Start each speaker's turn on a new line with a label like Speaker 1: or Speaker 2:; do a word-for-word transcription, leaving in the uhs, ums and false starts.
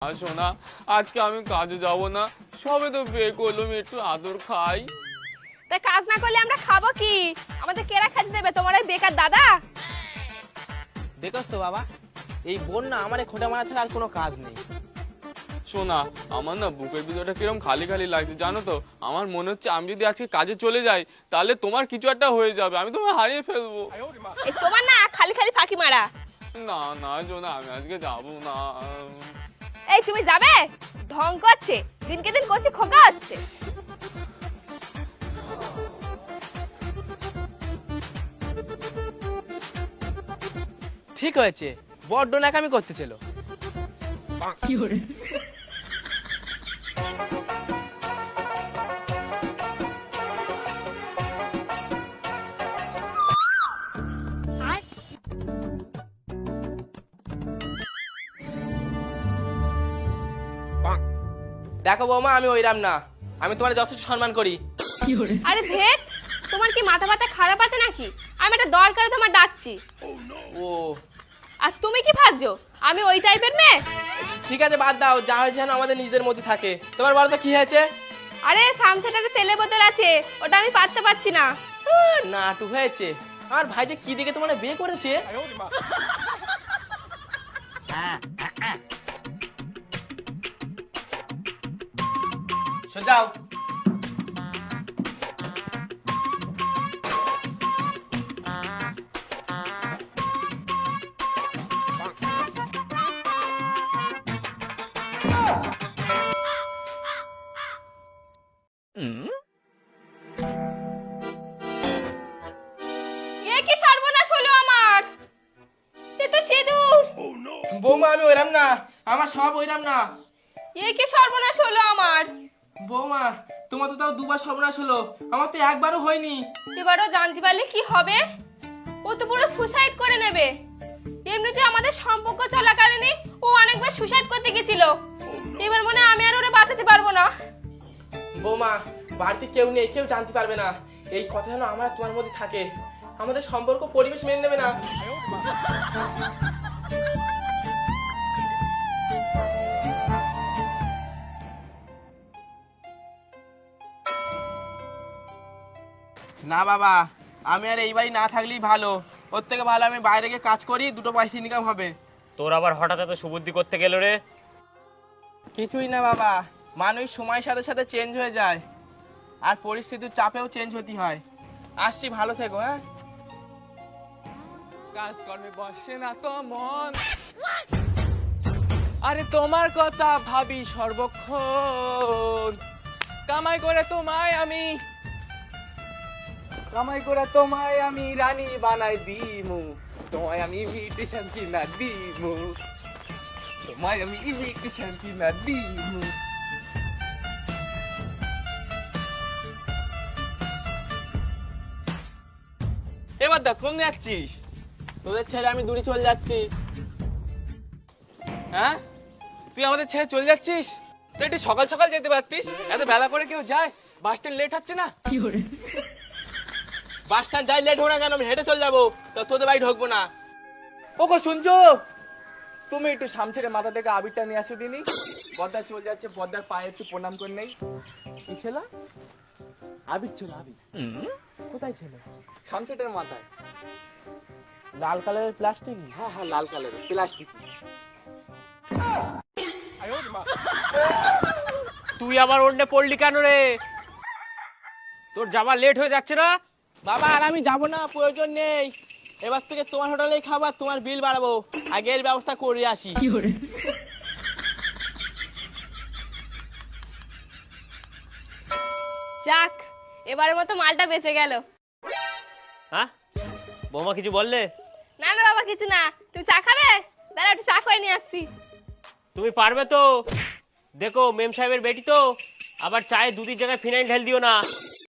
Speaker 1: শোনা, আজকে আমি কাজে যাব না, সবে তো বিয়ে করলাম, একটু আদর খাই।
Speaker 2: তাই কাজ না করলে আমরা খাবো কি? আমাদের কেরা খেতে দেবে? তোমার ওই বেকার দাদা?
Speaker 3: দেখোস তো বাবা, এই বোন না আমার খোঁটা মারা ছাড়া আর কোনো কাজ নেই।
Speaker 1: শোনা, আমার না বুকের ভিতরটা কিরকম খালি খালি লাগছে জানো তো। আমার মনে হচ্ছে আমি যদি আজকে কাজে চলে যাই তাহলে তোমার কিছু একটা হয়ে যাবে, আমি তোমায় হারিয়ে ফেলবো।
Speaker 2: এই তোমার না খালি খালি ফাঁকি মারা।
Speaker 1: না না শোনা, আমি আজকে যাবো না।
Speaker 2: এই তুমি যাবে? ঢং করছে, দিনকে দিন করছে খোকা হচ্ছে।
Speaker 3: ঠিক হয়েছে, বড্ড নাকামি করতেছিল। দেখো বৌমা, আমি ওইরাম না, আমি তোমার যথেষ্ট সম্মান করি।
Speaker 2: আরে ভেট, তোমার কি মাথা ব্যথা খারাপ আছে নাকি? আমি একটা দরকারে তোমার ডাকছি।
Speaker 3: ও
Speaker 2: আর তুমি কি ভাবছো আমি ওই টাইপের মেয়ে?
Speaker 3: ঠিক আছে, বাদ দাও, যা হয়েছে যেন আমাদের নিজেদের মধ্যে থাকে। তোমার বলো তো কি হয়েছে?
Speaker 2: আরে সামসেট একটা তেলে বোতল আছে, ওটা আমি পাততে পারছি না।
Speaker 3: আহ, নাটু হয়েছে। আমার ভাই যে কি দেখে তোমার বিয়ে করেছে। শোন যাও।
Speaker 2: এ কি সর্বনাশ হলো আমার! এ তো সিঁদুর।
Speaker 3: বৌমা আমি ওইরাম না, আমার সব ওইরাম না।
Speaker 2: এ কি সর্বনাশ হলো আমার!
Speaker 3: বৌমা তোমার তো তাও দুবার সর্বনাশ হলো, আমার তো একবারও হয়নি।
Speaker 2: এবারও জানতে পারলে কি হবে? ও তো পুরো সুসাইড করে নেবে। এমনিতে আমাদের সম্পর্ক চলাকালীনই ও অনেকবার সুসাইড করতে গেছিল। এবার মনে হয় আমি আর ওরে বাঁচাতে পারবো না।
Speaker 3: বৌমা বাড়িতে কেউ নেই, কেউ জানতে পারবে না। এই কথা যেন আমার আর তোমার মধ্যে থাকে, আমাদের সম্পর্ক পরিবেশ মেনে নেবে না। না বাবা, আমি আর এই বাড়ি না থাকলেই ভালো। ওর থেকে ভালো আমি বাইরে গিয়ে কাজ করি, দুটো পয়সা ইনকাম হবে।
Speaker 4: তোর আবার হঠাৎ এত সুবুদ্ধি করতে গেল রে?
Speaker 3: কিছুই না বাবা, মানুষ সময়ের সাথে সাথে চেঞ্জ হয়ে যায়, আর পরিস্থিতির চাপেও চেঞ্জ হতে হয়। আসছি, ভালো থেকো। হ্যাঁ,
Speaker 1: কাজকর্মে বসে না তো মন, আরে তোমার কথা ভাবি সর্বক্ষণ। কামাই করে তোমায় আমি কামাই করে তোমায় আমি রানী বানাই দিমু, তোমায় আমি ইমিটেশন কিনা দিমু, তোমায় আমি ইমিটেশন কিনা দিমু। এবার দেখ কোন যাচ্ছিস?
Speaker 3: তোদের ছেড়ে আমি দূরে চলে যাচ্ছি।
Speaker 1: হ্যাঁ, তুই আমাদের ছেড়ে চলে যাচ্ছিস? তুই একটু সকাল সকাল যেতে পারতিস, এত বেলা করে কেউ যায়? বাস স্ট্যান্ড লেট হচ্ছে না?
Speaker 3: বাস স্ট্যান্ড যাই লেট হোক না কেন, আমি হেঁটে চলে যাবো, তো তোদের বাড়ি ঢুকবো না।
Speaker 1: ওগো শুনছো? তুমি একটু সামছেড়ে মাথা থেকে আবিরটা নিয়ে আসো দিনি। বদ্দার চলে যাচ্ছে, বদ্দার পায়ে একটু প্রণাম করে নেই। কি ছিল? আবির ছিল, আবির। কোথায় ছিল? সামছেটের মাথায়
Speaker 3: লাল কালারের প্লাস্টিক।
Speaker 1: হ্যাঁ হ্যাঁ, লাল কালারের প্লাস্টিক।
Speaker 4: তুই আবার ওন্ডে পড়লি কেন রে? তোর যাবার লেট হয়ে যাচ্ছে না?
Speaker 3: বাবা আর আমি যাবো না, প্রয়োজন নেই। এবার থেকে তোমার হোটেলেই খাবার, তোমার বিল বাড়াবো। আগের ব্যবস্থা করে আসি।
Speaker 2: যাক, এবারের মতো মালটা বেঁচে গেল।
Speaker 4: হ্যাঁ, বৌমা কিছু বললে?
Speaker 2: না না বাবা, কিছু না। তুমি চা খাবে? দাঁড়া, একটু চা করে নিয়ে আসছি।
Speaker 4: তুমি পারবে তো? দেখো মেম সাহেবের বেটি তো, আবার চায়ে দুধের জায়গায় ফিনাইল ঢেল দিও না।